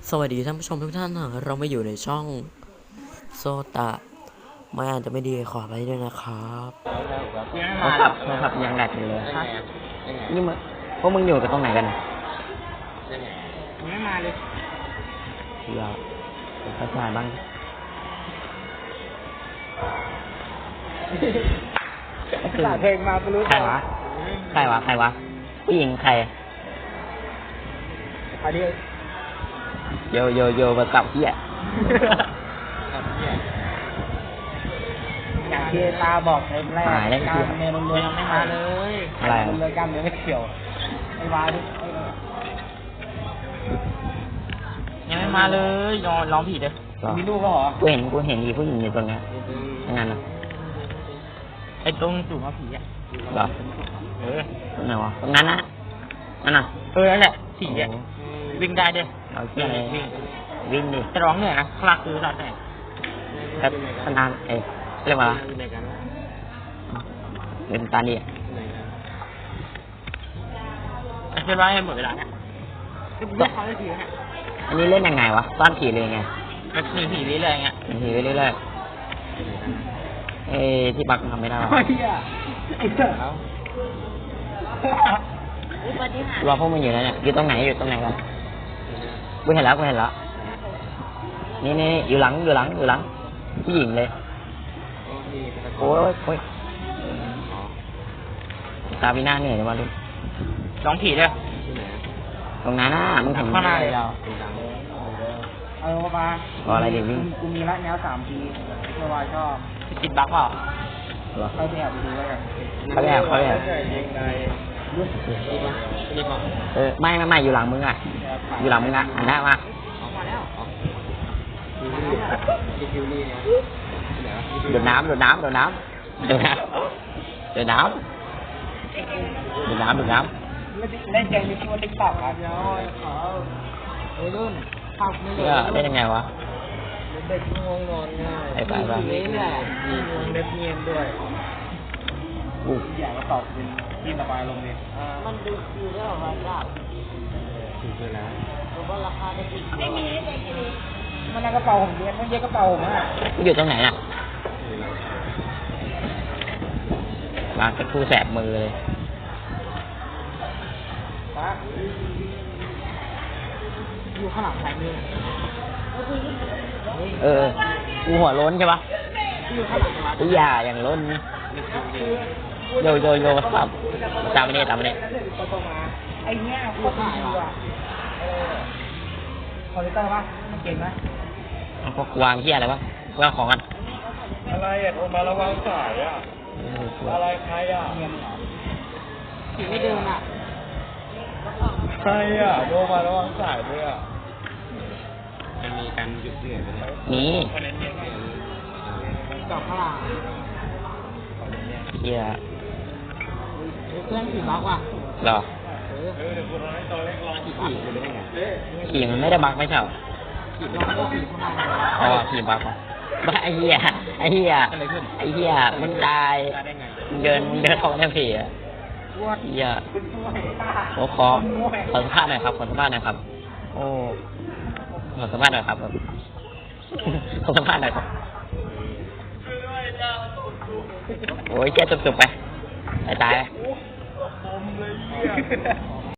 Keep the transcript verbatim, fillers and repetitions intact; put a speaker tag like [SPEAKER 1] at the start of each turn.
[SPEAKER 1] สวัสดีท่านผู้ชมทุกท่านนะเรามาอยู่ในช่องโซตะไม่อาจจะไม่ดีขอไปด้วยนะครับ
[SPEAKER 2] โทรศัพท์โทรศัพท์ยังแหลกอยู่เลยนี่มึงพวกมึงอยู่กันตรงไหนกัน
[SPEAKER 3] ไม่มาเลย
[SPEAKER 2] เดี๋ยวทักทายบ้าง
[SPEAKER 3] สาเพลงมาไม่รู้
[SPEAKER 2] ใครวะใครวะใครวะผู้หญิงใคร
[SPEAKER 3] อันนี้
[SPEAKER 2] โยโยโยมากับพี่อ่ะ
[SPEAKER 3] อย่างที่ตาบอกเต็มแรกการเงินรวยยังไม่มาเลยอะไรเลยการเงินไม่เกี่ยวไอ้วาดิ
[SPEAKER 1] ยังไม่มาเลยนอนร้องผิดเลย
[SPEAKER 3] มีลูกก็เหรอ
[SPEAKER 2] กูเห็นกูเห็นมีผู้หญิงอยู่ตรงนี้งั้นนะ
[SPEAKER 1] ไอ้ตรงจู่มาผีอ่ะ
[SPEAKER 2] เหรอ
[SPEAKER 1] เออ
[SPEAKER 2] ตรงไหนวะตรงนั้นนะนั่นน่ะ
[SPEAKER 1] เออนั่นแหละผีอ่ะวิ่งได้ด้วย
[SPEAKER 2] เอาเที่ยววิ่งวิ่งดิ
[SPEAKER 1] จะร้องเหนื่อยนะคลาคือร้องแต่
[SPEAKER 2] แต่ขนาดเอ๊ะเรียกว่าเล่นตาดี
[SPEAKER 1] อ่ะเชื่อว่าให้หมดเวลาเนี่ยก็เขาได้ผีฮะ
[SPEAKER 2] อันนี้เล่นยังไงวะซ่อนผีเลยไง
[SPEAKER 1] ก็หนีผีเรื่อยๆเงี้ย
[SPEAKER 2] หนีผีเรื่อยๆเอ้ที่บักทำไม่ได้หรอ
[SPEAKER 3] ไอ้เหี้ยไอ้เจ้า
[SPEAKER 2] ว่าพวกมันอยู่นั่นเนี่ยอยู่ตรงไหนอยู่ตรงไหนกันกูเห็นแล้วกูเห็นแล้วนี่นี่อยู่หลังอยู่หลังอยู่หลังผู้หญิงเลยโอ้ยโอ้ยตาวินาเนี่ยเดี๋ยวมาดู
[SPEAKER 1] ร้องผีด้วย
[SPEAKER 2] ตรงนั้นน่ะมึงเห็น
[SPEAKER 1] ข้างหน้าเลยเรา
[SPEAKER 3] เออมา
[SPEAKER 2] อะไรเดี๋ยววิ่ง
[SPEAKER 3] กูมีละแนวสามทีเพื่อว่าชอบ
[SPEAKER 1] จิตบักเปล่า
[SPEAKER 3] เขาไปแอบไปดูแล้วกัน
[SPEAKER 2] เขาแอบเขาแอบเออไม่ไม่ไม่อยู่หลังมึงอ่ะอยู่หลังมึงอ่ะหันหน้ามาโดดน้ำโดดน้ำโดดน้ำโดดน้ำโดดน้ำโดดน้ำโดดน้
[SPEAKER 3] ำเล่นเกมนี้ชื่อว่าติ๊กต็อกครับเดี๋ยวขอเฮ้ยรุ่นภาพไม่
[SPEAKER 2] เลยเล่นยังไงวะ
[SPEAKER 3] เด็กง่วงนอนง่าย
[SPEAKER 2] ไอ้บ้าบ้า
[SPEAKER 3] นี่แหละมีงวงเล็บเงียบด้วยอยากมาตอบเป็นที่ระบายลมเนี่ยมันดูคิวได้หรอวะจ้าคิวไปแล้วผมว่าราคาไม่ดีไม่มีไม่มีมันในกระเป๋าผมเรียนมันเยอะกระเป๋าผมอ่ะ
[SPEAKER 2] อยู่ตรงไหนอ่ะวางกระทู้แสบมือเลย
[SPEAKER 3] อยู่ข้างหลังใครมือ
[SPEAKER 2] เออกูหัวล้นใช่ปะ
[SPEAKER 3] อยู่ข้างหลัง
[SPEAKER 2] กูอย่าอย่างล้นโยโยโย่สับตามมาเนี่ยตามมาเนี่ย
[SPEAKER 3] ไอ้เนี้ยโคตรดีว่ะคอมพิวเตอร์ป่ะมันเก่งไหม
[SPEAKER 2] พวกวางเที่ยอะไรวะวางของกัน
[SPEAKER 3] อะไรอ่ะโทรมาระวังสายอ่ะอะไรใครอ่ะผีไม่เดินอ่ะใครอ่ะโทรมาระวังสายด้วยอ่ะ
[SPEAKER 1] มันมีการหยุดเดือดไหม
[SPEAKER 2] นี่
[SPEAKER 3] จอบข้างหลัง
[SPEAKER 2] เที่ย
[SPEAKER 3] เพื่อนผีบักว่ะ
[SPEAKER 2] หรอขี่มันไม่ได้บักไม่ใช่หรออ๋อขี่บักว่ะบ้าไอ้เหี้ยไอ้เหี้ยไอ้เหี้ยมึงตายเดินเดินท้องแค่ผีอ่ะเหี้ยโอ้ขอขอสัมภาษณ์หน่อยครับขอสัมภาษณ์หน่อยครับโอ้ขอสัมภาษณ์หน่อยครับขอสัมภาษณ์หน่อยครับโอ้ยแค่จบๆไปตายตาย